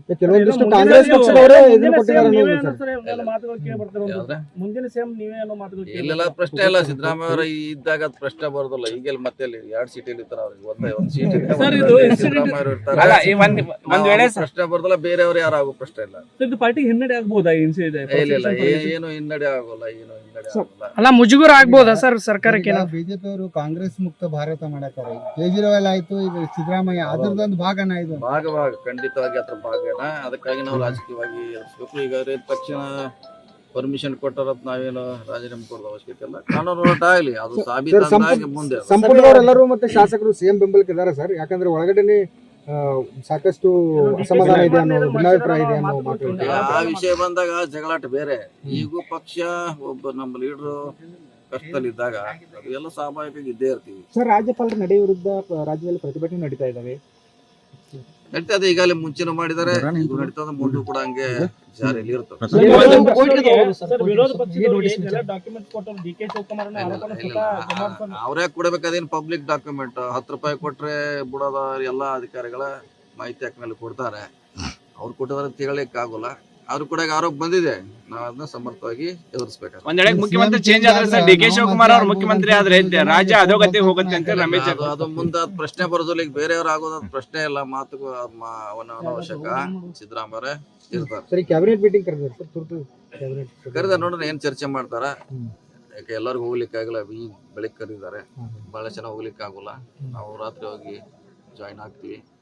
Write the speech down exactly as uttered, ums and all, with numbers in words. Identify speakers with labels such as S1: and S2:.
S1: ಕೆಲವೊಂದಿಷ್ಟು ಕಾಂಗ್ರೆಸ್ ಪಕ್ಷದವರೇ ಇದನ್ನ ಕೊಟ್ಟಿದ್ದಾರೆ
S2: ಮುಂದಿನ ಸಿಎಂ ನೀವೇ ಅನ್ನೋ ಮಾತುಗಳು ಇಲ್ಲೆಲ್ಲ ಪ್ರಶ್ನೆ ಇಲ್ಲ. ಸಿದ್ದರಾಮಯ್ಯ ಅವರ ಇದ್ದಾಗ ಅದು ಪ್ರಶ್ನೆ ಬರೋದಿಲ್ಲ. ಈಗೆಲ್ಲ ಮತ್ತೆ ಎರಡು ಸೀಟ್ ಇರ್ತಾರ ಅವ್ರಿಗೆ ಒಂದೇ ಒಂದು ಸೀಟ್ ಸಿದ್ದರಾಮಯ್ಯ ಅವರು ಇರ್ತಾರೆ. ಪ್ರಶ್ನೆ ಬರೋದಿಲ್ಲ. ಬೇರೆಯವರು ಯಾರು ಆಗೋ ಪ್ರಶ್ನೆ ಇಲ್ಲ. ಇದು ಪಾರ್ಟಿ ಹಿನ್ನಡೆ ಆಗ್ಬೋದಾ? ಇಲ್ಲ, ಏನು ಹಿನ್ನಡೆ ಆಗೋಲ್ಲ, ಏನು ಹಿನ್ನಡೆ ಆಗೋಲ್ಲ.
S3: ಅಲ್ಲ ಮುಜುಗರ ಆಗ್ಬೋದಾ ಸರ್ ಸರ್ಕಾರಕ್ಕೆ?
S1: ಬಿಜೆಪಿ ಅವರು ಕಾಂಗ್ರೆಸ್ ಮುಕ್ತ ಭಾರತ ಮಾಡತಾರೆ. ಕೇಜ್ರಿವಾಲ್ ಆಯ್ತು, ಈಗ ಸಿದ್ದರಾಮಯ್ಯ ಅದರದೊಂದು ಭಾಗನ ಇದು
S2: ಭಾಗ ಭಾಗ ಖಂಡಿತವಾಗಿ ಅದ್ರ ಭಾಗನ. ಅದಕ್ಕಾಗಿ ನಾವು ರಾಜಕೀಯವಾಗಿ ಎದುರಿಸಬೇಕು. ಈಗ ತಕ್ಷಣ ಪರ್ಮಿಷನ್ ಕೊಟ್ಟರತ್ ನಾವೇನು ರಾಜೀನಾಮೆ ಕೊಡೋದು ಅವಶ್ಯಕತೆ ಇಲ್ಲ. ಕಾನೂನು ಹೋರಾಟ ಆಗಲಿ, ಅದು ಸಾಬೀತಾಗಿ ಮುಂದೆ
S1: ಸಂಪೂರ್ಣವರೆಲ್ಲರೂ ಮತ್ತೆ ಶಾಸಕರು ಸಿಎಂ ಬೆಂಬಲಕ್ಕೆ ಇದ್ದಾರೆ ಸರ್. ಯಾಕಂದ್ರೆ ಒಳಗಡೆ ಸಾಕಷ್ಟು ಅಸಮಾಧಾನ ಇದೆ ಅನ್ನೋ ಭಿನ್ನಾಭಿಪ್ರಾಯ ಇದೆ ಅನ್ನೋ ಮಾತು.
S2: ಆ ವಿಷಯ ಬಂದಾಗ ಜಗಳಾಟ ಬೇರೆ. ಈಗೂ ಪಕ್ಷ ಒಬ್ಬ ನಮ್ಮ ಲೀಡರ್ ಕಷ್ಟದಲ್ಲಿದ್ದಾಗ ಅದು ಎಲ್ಲ ಸ್ವಾಭಾವಿಕ ಇದ್ದೇ ಇರ್ತೀವಿ
S1: ಸರ್. ರಾಜ್ಯಪಾಲರ ನಡೆ ವಿರುದ್ಧ ರಾಜ್ಯದಲ್ಲಿ ಪ್ರತಿಭಟನೆ ನಡೀತಾ ಇದ್ದಾವೆ.
S2: ನಡೀತದೆ. ಈಗಾಗಲೇ ಮುಂಚೆನೂ ಮಾಡಿದ್ದಾರೆ, ಈಗ ನಡೀತದೆ, ಮುಂದೂ ಕೂಡ ಹಂಗೆ ಜಾರಿಯಲ್ಲಿ ಇರ್ತದೆ. ಅವ್ರೇ ಕೊಡ್ಬೇಕು. ಅದೇನು ಪಬ್ಲಿಕ್ ಡಾಕ್ಯುಮೆಂಟ್. ಹತ್ತು ರೂಪಾಯಿ ಕೊಟ್ರೆ ಬಿಡೋದ ಎಲ್ಲ ಅಧಿಕಾರಿಗಳ ಮಾಹಿತಿ ಹಾಕ್ಮೇಲೆ ಕೊಡ್ತಾರೆ. ಅವ್ರು ಕೊಟ್ಟಿದ್ರೆ ತಿಳಲಿಕ್ಕೆ ಆಗೋಲ್ಲ. ಅವ್ರು ಕೂಡ ಆರೋಪ ಬಂದಿದೆ. ನಾವು ಅದನ್ನ ಸಮರ್ಥವಾಗಿ ಎದುರಿಸಬೇಕು.
S4: ಒಂದ್ ವೇಳೆ ಮುಖ್ಯಮಂತ್ರಿ ಚೇಂಜ್ ಆದ್ರೆ ಸರ್ ಡಿ ಕೆ ಶಿವಕುಮಾರ್ ಅವ್ರು ಮುಖ್ಯಮಂತ್ರಿ ಆದ್ರೆ ರಾಜ್ಯ ಅಧೋಗತಿ ಹೋಗುತ್ತೆ ಅಂತ ರಮೇಶ್
S2: ಅದು ಮುಂದೆ ಪ್ರಶ್ನೆ ಬರೋದಿಲ್ಲ. ಈಗ ಬೇರೆಯವ್ರು ಆಗೋದ್ ಪ್ರಶ್ನೆ ಇಲ್ಲ. ಮಾತು ಅನಾವಶ್ಯಕ. ಸಿದ್ದರಾಮಯ್ಯ ಇರ್ತಾರೆ.
S1: ಸರಿ, ಕ್ಯಾಬಿನೆಟ್ ಮೀಟಿಂಗ್ ಕರೆದ
S2: ಕರೆದ ನೋಡ್ರಿ ಏನ್ ಚರ್ಚೆ ಮಾಡ್ತಾರ. ಯಾಕೆ ಎಲ್ಲರಿಗೂ ಹೋಗ್ಲಿಕ್ಕೆ ಆಗಲ್ಲ. ಈ ಬೆಳಿಗ್ಗೆ ಕರೀತಾರೆ. ಬಹಳ ಜನ ಹೋಗ್ಲಿಕ್ಕೆ ಆಗೋಲ್ಲ. ನಾವು ರಾತ್ರಿ ಹೋಗಿ ಜಾಯಿನ್ ಆಗ್ತೀವಿ.